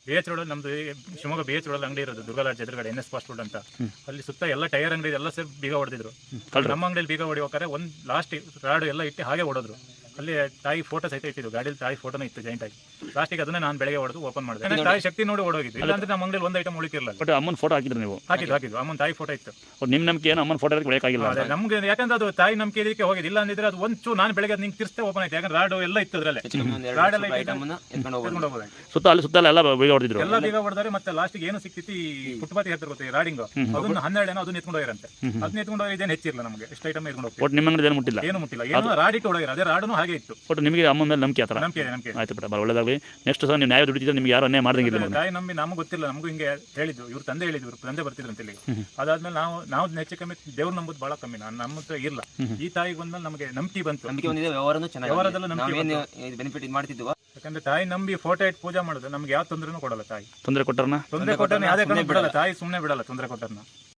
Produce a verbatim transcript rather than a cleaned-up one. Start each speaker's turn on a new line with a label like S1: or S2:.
S1: B H road ನಮ್ದು Shivamogga B H road ಅಂಗಡಿ ಇರೋದು ದುರ್ಗಾಲಾಡ್ಜ್ ಎದುರುಗಡೆ ಎನ್ ಎಸ್ ಫಾಸ್ಟ್ ಫುಡ್ ಅಂತ. ಅಲ್ಲಿ ಸುತ್ತ ಎಲ್ಲ ಟೈರ್ ಅಂಗಡಿ ಎಲ್ಲ ಸೇರಿ ಬೀಗ ಹೊಡೆದಿದ್ರು. ನಮ್ಮ ಅಂಗಡಿಯಲ್ಲಿ ಬೀಗ ಹೊಡಿಬೇಕಾದ್ರೆ ಒಂದು ಲಾಸ್ಟ್ ರಾಡು ಎಲ್ಲ ಇಟ್ಟು ಹಾಗೆ ಹೊಡೋದ್ರು. ಅಲ್ಲಿ ತಾಯಿ ಫೋಟೋ ಸಹಿತ ಇಟ್ಟಿದ್ದು, ಗಾಡಿಯಲ್ಲಿ ತಾಯಿ ಫೋಟೋನ ಇತ್ತು ಜಾಯಿಂಟ್ ಆಗಿ. ಲಾಸ್ಟಿಗೆ ಅದನ್ನೇ ನಾನು ಬೆಳಗ್ಗೆ ಹೊಡೆದು ಓಪನ್ ಮಾಡಿದೆ. ತಾಯಿ ಶಕ್ತಿ ನೋಡಿ ಓಡೋಗಿದ್ದು, ಇಲ್ಲಾಂದ್ರೆ ನಮ್ಮ ಅಂಗಡಿಯಲ್ಲಿ ಒಂದು ಐಟಮ್ ಉಳಿತಿರಲಿಲ್ಲ.
S2: ಬಟ್ ಅಮ್ಮನ ಫೋಟೋ ಹಾಕಿದ್ರು ನೀವು?
S1: ಹಾಕಿದ್ದು ಹಾಕಿದ್ದು ಅಮ್ಮನ ತಾಯಿ ಫೋಟೋ ಇತ್ತು.
S2: ನಿಮ್ಮ ನಂಬಿಕೆ ಏನು ಅಮ್ಮನ ಫೋಟೋ ಬೆಳಕಾಗಿಲ್ಲ
S1: ನಮ್ಗೆ, ಯಾಕಂದ್ರೆ ಅದು ತಾಯಿ ನಂಬಿಕೆ ಇದಕ್ಕೆ ಹೋಗಿದ್ದು. ಇಲ್ಲ ಅಂದಿದ್ರೆ ಅದು ಒಂಚೂ ನಾನು ಬೆಳಗ್ಗೆ ನಿಂಗೆ ತಿರ್ಸ್ತೆ ಓಪನ್ ಆಯ್ತು. ಯಾಕಂದ್ರೆ ರಾಡು ಎಲ್ಲ ಇತ್ತು ಅದ್ರಲ್ಲೇ, ರಾಡೆಲ್ಲ ಎತ್ಕೊಂಡು ಹೋಗೋದು.
S2: ಸುತ್ತ ಅಲ್ಲಿ ಸುತ್ತ ಎಲ್ಲ ಬೀಗ ಹೊಡೆದಿದ್ರು,
S1: ಎಲ್ಲ ಬೀಗ ಹೊಡೆದಾರೆ. ಮತ್ತೆ ಲಾಸ್ಟಿಗೆ ಏನು ಸಿಕ್ತಿತ್ತು, ಈ ಫುಟ್ಪಾತ್ ಹೇಳ್ತಾರೆ ಗೊತ್ತಿ ರಾಡಿಂಗ್, ಅದನ್ನ ಹನ್ನೆರಡು ಏನೋ ಅದನ್ನ ಎತ್ಕೊಂಡು ಹೋಗಿರಂತೆ. ಅದನ್ನ ಎತ್ಕೊಂಡು ಹೋಗಿ ಇದೇನು ಹೆಚ್ಚಿರಲ್ಲ ನಮಗೆ, ಎಷ್ಟು ಐಟಮ್ ಎತ್ಕೊಂಡು ಹೋಗ್ತೀವಿ.
S2: ಒಟ್ಟು ನಿಮ್ಮ ಅಂಗಡಿ ಏನು ಮುಟ್ಟಿಲ್ಲ?
S1: ಏನು ಮುಟ್ಟಿಲ್ಲ, ಏನೋ ರಾಡಿಟ್ಟು ಹೊಡೋಗಿರ, ಅದೇ ರಾಡನು ಹಾಗೆ ಇತ್ತು.
S2: ಒಟ್ಟು ನಿಮಗೆ ಅಮ್ಮ ಮೇಲೆ ನಂಬಿಕೆ ಆತರ?
S1: ನಂಬಿಕೆ ನಂಬಿಕೆ
S2: ಆಯ್ತು ಬಿಡ, ಒಳ್ಳೆದಾಗಲಿ. ನೆಕ್ಸ್ಟ್ ಸಹ ನೀವು ನ್ಯಾಯ ದುಡಿತಿದ್ರೆ ನಿಮ್ಗೆ ಯಾರು ಅನ್ಯಾಯ ಮಾಡ್ದಂಗಿಲ್ಲ.
S1: ತಾಯಿ ನಂಬಿ ನಮ್ಗೆ ಗೊತ್ತಿಲ್ಲ, ನಮಗೂ ಹಿಂಗೆ ಹೇಳಿದ್ರು, ಇವ್ರು ತಂದೆ ಹೇಳಿದ್ರು, ಇವ್ರು ತಂದೆ ಬರ್ತಿದ್ರು ಅಂತ ಹೇಳಿ. ಅದಾದ್ಮೇಲೆ ನಾವು ನಾವು ಹೆಚ್ಚು ಕಮ್ಮಿ ದೇವ್ರು ನಂಬುದು ಬಹಳ ಕಮ್ಮಿ. ನಾನು ನಮ್ಮ ಹತ್ರ ಇಲ್ಲ. ಈ ತಾಯಿಗೆ ಬಂದ್ಮೇಲೆ ನಮಗೆ ನಂಬಿಕೆ ಬಂತು, ವ್ಯವಹಾರದಲ್ಲೂ ನಂಬಿಕೆ
S3: ಬೆನಿಫಿಟ್ ಮಾಡ್ತಿದ್ವು.
S1: ಯಾಕಂದ್ರೆ ತಾಯಿ ನಂಬಿ ಫೋಟೋ ಇಟ್ಟು ಪೂಜೆ ಮಾಡಿದ್ರೆ ನಮ್ಗೆ ಯಾವ ತೊಂದರೆನೂ ಕೊಡಲ್ಲ ತಾಯಿ.
S2: ತೊಂದರೆ ಕೊಟ್ಟರನ
S1: ತೊಂದರೆ ಕೊಟ್ಟರನ್ನ ಯಾವ್ದೇ ಕಾರಣ ಬಿಡಲ್ಲ ತಾಯಿ, ಸುಮ್ಮನೆ ಬಿಡಲ್ಲ ತೊಂದರೆ ಕೊಟ್ಟರನ್ನ.